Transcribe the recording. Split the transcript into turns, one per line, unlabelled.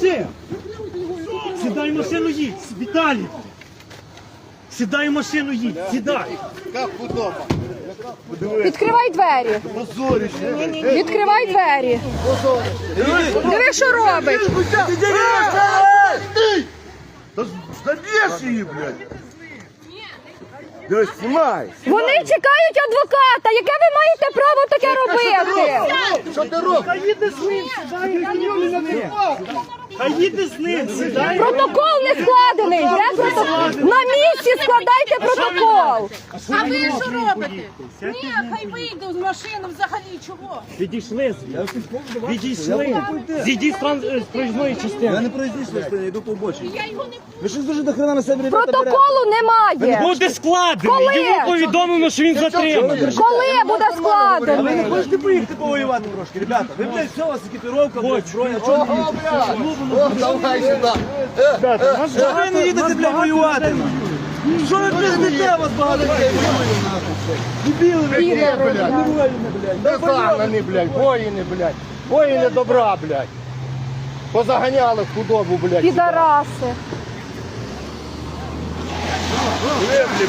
Сиди! Сідай в машину, їдь, Віталій! Сідай в машину, їдь, сідай!
Як худоба.
Відкривай двері. Відкривай двері. Диви, що робить.
Заб'єш її, блядь. Дивись, знімай.
Вони чекають адвоката. Яке ви маєте право таке робити?
Що ти робиш?
Хай їде з ним, сідай! Хай їде з ним, сідай!
Протокол не складений. Де протокол? На місці складайте протокол.
А ви що робите? Ні, хай вийде з машини взагалі, чого?
Відійшли звідси. Відійшли. Зійдіть з проїзної частини.
Я не проїздиш, я йду по обочині.
Я його не...
Ви щось дуже до хрена на себе ребята берете.
Протоколу немає.
Буде складений.
Коли?
Йому повідомлено, що він затриманий.
Коли буде
А ви
складений?
не хочете поїхати повоювати трошки, ребята? Ви, блядь, все, у вас екіпіровка, блядь, зброя, чого не їдете?
О, давай сюди.
Що ви не їдете, блядь, воювати? Що ви, блядь, дете, вас багато людей воює, нахуй? Дебіли, блядь, не воїни, блядь.
Де загнані, блядь, воїни, блядь. Воїни добра, блядь. Позаганяли худобу, блядь.
Підараси.
Греблі,